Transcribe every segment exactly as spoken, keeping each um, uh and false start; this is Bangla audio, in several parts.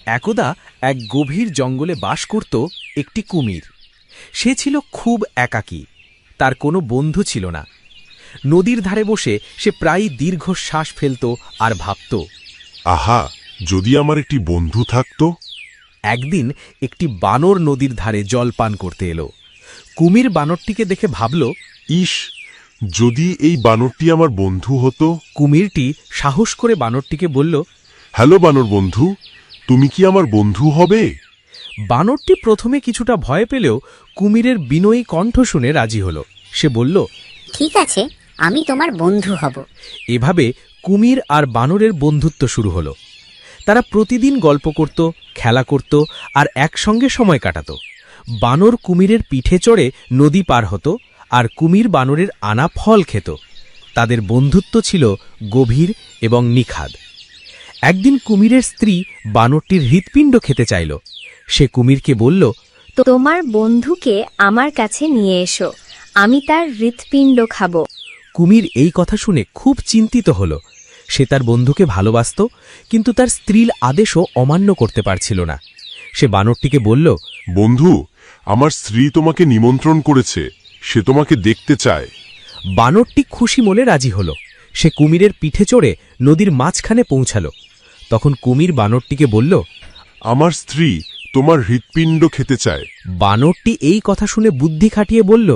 একদা এক গভীর জঙ্গলে বাস করত একটি কুমির। সে ছিল খুব একাকী, তার কোনো বন্ধু ছিল না। নদীর ধারে বসে সে প্রায়ই দীর্ঘশ্বাস ফেলত আর ভাবত, আহা, যদি আমার একটি বন্ধু থাকত। একদিন একটি বানর নদীর ধারে জল পান করতে এলো। কুমির বানরটিকে দেখে ভাবল, ইস, যদি এই বানরটি আমার বন্ধু হতো। কুমিরটি সাহস করে বানরটিকে বলল, হ্যালো বানর বন্ধু, তুমি কি আমার বন্ধু হবে? বানরটি প্রথমে কিছুটা ভয় পেলেও কুমিরের বিনয়ী কণ্ঠ শুনে রাজি হল। সে বলল, ঠিক আছে, আমি তোমার বন্ধু হব। এভাবে কুমির আর বানরের বন্ধুত্ব শুরু হলো। তারা প্রতিদিন গল্প করত, খেলা করত আর একসঙ্গে সময় কাটাত। বানর কুমিরের পিঠে চড়ে নদী পার হতো আর কুমির বানরের আনা ফল খেত। তাদের বন্ধুত্ব ছিল গভীর এবং নিখাদ। একদিন কুমিরের স্ত্রী বানরটির হৃৎপিণ্ড খেতে চাইল। সে কুমিরকে বলল, তোমার বন্ধুকে আমার কাছে নিয়ে এসো, আমি তার হৃৎপিণ্ড খাব। কুমির এই কথা শুনে খুব চিন্তিত হল। সে তার বন্ধুকে ভালোবাসত, কিন্তু তার স্ত্রীর আদেশও অমান্য করতে পারছিল না। সে বানরটিকে বলল, বন্ধু, আমার স্ত্রী তোমাকে নিমন্ত্রণ করেছে, সে তোমাকে দেখতে চায়। বানরটি খুশি মনে রাজি হল। সে কুমিরের পিঠে চড়ে নদীর মাঝখানে পৌঁছাল। তখন কুমির বানরটিকে বলল, আমার স্ত্রী তোমার হৃৎপিণ্ড খেতে চায়। বানরটি এই কথা শুনে বুদ্ধি খাটিয়ে বলল,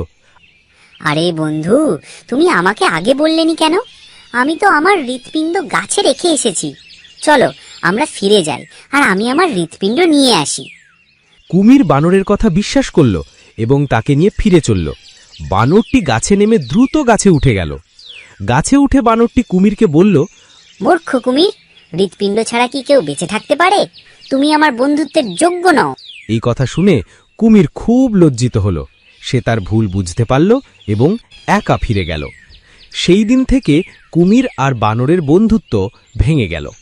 আরে বন্ধু, তুমি আমাকে আগে বললেনি কেন? আমি তো আমার হৃৎপিণ্ড গাছে রেখে এসেছি। চলো আমরা ফিরে যাই আর আমি আমার হৃৎপিণ্ড নিয়ে আসি। কুমির বানরের কথা বিশ্বাস করল এবং তাকে নিয়ে ফিরে চলল। বানরটি গাছে নেমে দ্রুত গাছে উঠে গেল। গাছে উঠে বানরটি কুমিরকে বলল, মূর্খ কুমির, হৃৎপিণ্ড ছাড়া কি কেউ বেঁচে থাকতে পারে? তুমি আমার বন্ধুত্বের যোগ্য নও। এই কথা শুনে কুমির খুব লজ্জিত হল। সে তার ভুল বুঝতে পারল এবং একা ফিরে গেল। সেই দিন থেকে কুমির আর বানরের বন্ধুত্ব ভেঙে গেল।